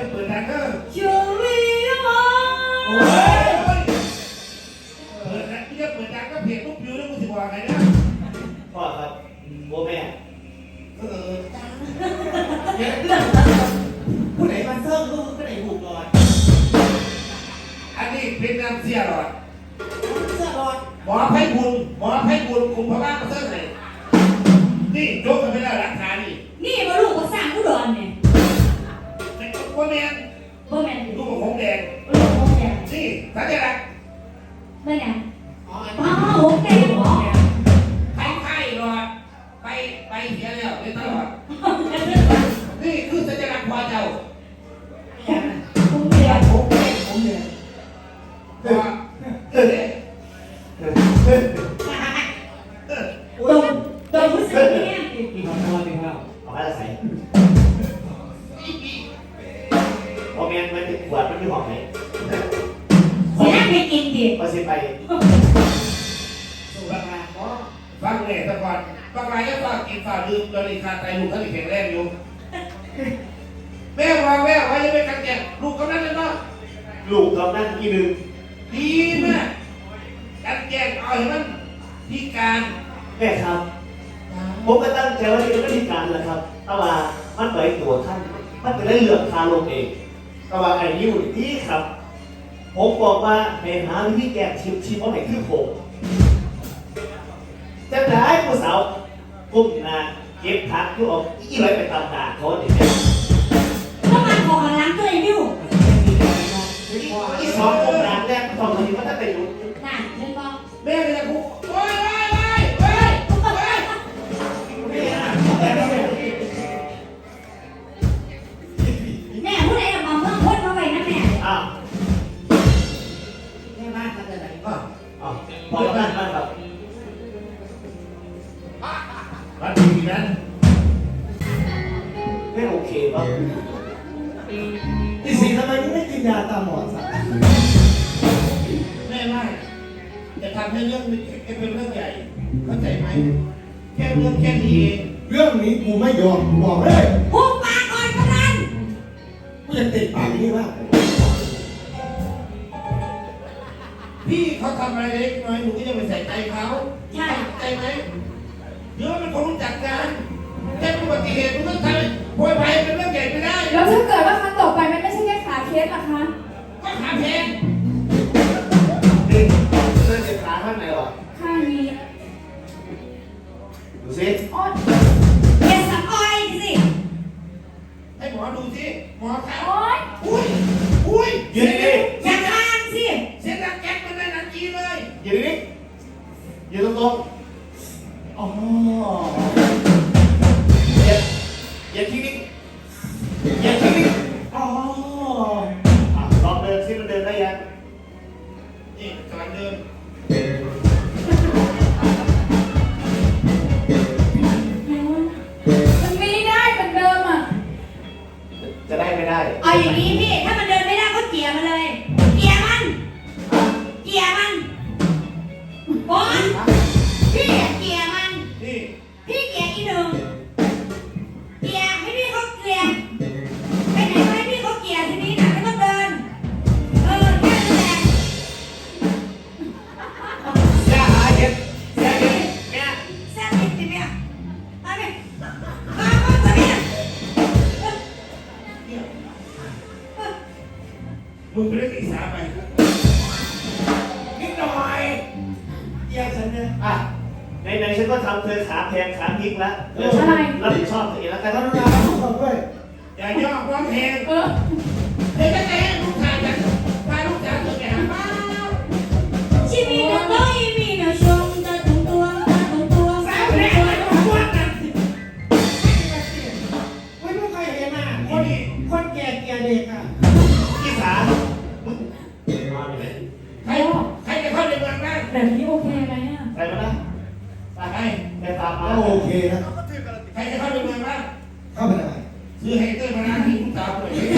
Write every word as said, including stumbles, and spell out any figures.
จะเปิดดังเด้อชูวิวะโอ้ยเปิดดังที่จะเปิดดังก็เพจลูกพิวแล้วกูสิบอกไงนะพ่อครับโบแม่เออผู้ไหนมาเซิร์ฟลูกผู้ไหนหูกหลอดอันนี้เป็นน้ำเสียหลอดเสื้อหลอดหมอไพบุญหมอไพบุญคุมพระบ้านมาเซิร์ฟเลยนี่ยกกันไปแล้วหลักฐานนี่นี่มาลูกก็สร้างผู้ดอนเนี่ยแต่ก็แมนบ่แมนลูกของผมแดงลูกของแดงนี่สัญลักษณ์นั่นไงอ๋อหงแดงเหรอไข้ไข้หลอดไปไปเสียแล้วเลยตลอดนี่คือสัญลักษณ์พอเจ้าผมเดียวผมเองผมเนี่ยพอเออตรงตรงผู้ชายเนี่ยกินข้าวกินข้าวเอาไปละใส่โบแม่มันติดขวดมันที่ห้องไหนเสียไม่กินดิพอเสียไปฟังเนี่ยแต่ก่อนบางรายก็ฝากกินฝากดื่มเลยขาดใจลูกเขาแข็งแรงอยู่แม่วางแม่ไว้ยังไม่กันแก่ลูกกำนันเลยเนาะลูกกำนันอีหนึ่งดีมากกันแก่เอาให้มันพิการแม่ครับผมก็ตั้งใจว่าจะไม่พิการแหละครับแต่ว่ามันไปตัวท่านมันจะได้เลือกทางลงเองแต่ว่าไอ้นิ้วนี่ครับผมบอกว่าในหาวิธีแก้ชิมชิมว่าไหนคือผมจะได้ผู้สาวกุ้มนาเก็บผักที่ออกอีไรไปตามด่าเขาเนี่ยต้องมาขอล้างตัวไอ้บิวอีสองกุ้มนาแรกตอนนี้มันจะเป็นอยู่น่ะเล่นบอลแม่เลยกูโอ้ยโอ้ยโอ้ยโอ้ยโอ้ยแม่ผู้ใดเอาเมืองพ้นมาไว้นะแม่อ้าวแม่บ้านเขาจะไหนก็อ้าวพอบ้านบ้านแบบบ้านดีนั้นไม่โอเคป่ะที่สิ่งทำไมไม่กินยาตามหมอสักแม่ไม่จะทำให้เรื่องนี้เป็นเรื่องใหญ่เข้าใจไหมแค่เรื่องแค่นี้เองเรื่องนี้กูไม่ยอมบอกเลยหุบปากก่อนกำนันกูจะติดปากนี่ว่าพี่เขาทำอะไรเล็กน้อยหนูก็จะไปใส่ใจเขาใช่ใจไหมเดี๋ยวมันคงรู้จักกันแค่อุบัติเหตุมันต้องทำโวยไปเป็นเรื่องใหญ่ไม่ได้แล้วถ้าเกิดว่าครั้งต่อไปมันไม่ใช่แค่ขาเคสล่ะคะก็ขาแพงดิเส้นเจ็บขาข้างไหนหรอข้างนี้ดูสิอ๋อเย็นสักอ้อยสิให้หมอดูสิหมอครับโอ๊ยอุ้ยอุ้ยยืนดิอย่าข้างสิเสียงดังแก๊กมันได้หนังจีเลยยืนดิยืนตรงๆอ๋ออย่าอย่าทิ้งนิดอย่าทิ้งนิดอ๋อลองเดินซิมันเดินได้ยังนี่กำลังเดินมันไม่ได้เหมือนเดิมอ่ะจะได้ไม่ได้เอาอย่างนี้พี่ถ้ามันเดินไม่ได้ก็เกี่ยมันเลยเกี่ยมันเกี่ยมันบอลพี่เกี่ยมันนี่พี่เกี่ยอีหนึ่งเกี่ยให้พี่เขาเกี่ยไปไหนก็ให้พี่เขาเกี่ยทีนี้นะไม่ต้องเดินเออแค่นั้นแหละอย่าหาเห็ดอย่าเห็ดแม่แซ่บจริงๆเนี่ยเอาไปมามาตัวนี้มึงไปเล่นอีสานไปนิดหน่อยแยกฉันเนี่ยอ่ะในในฉันก็ทำเธอขาแพงขาพลิกแล้วรับผิดชอบตัวเองแล้วกันกรุณาขอด้วยอย่าย่อความแพงเออเด็กก็จะให้ลูกชายกันพาลูกสาวตัวแก่หาบ้าชีวิตเราต้องมีนะชมตาตุ้งตัวตาตุ้งตัวสาวแรกเลยต้องพวกกันไม่รู้ใครเห็นอ่ะคนคนแก่เกียร์เด็กอ่ะพี่สาใครใครจะเข้าในเมืองบ้างแบบนี้โอเคไหมอ่ะไปมาละไปไปไปตามมาโอเคนะใครจะเข้าในเมืองบ้างเข้าไปได้ซื้อไฮเตอร์มาล้างที่ลูกสาวเลย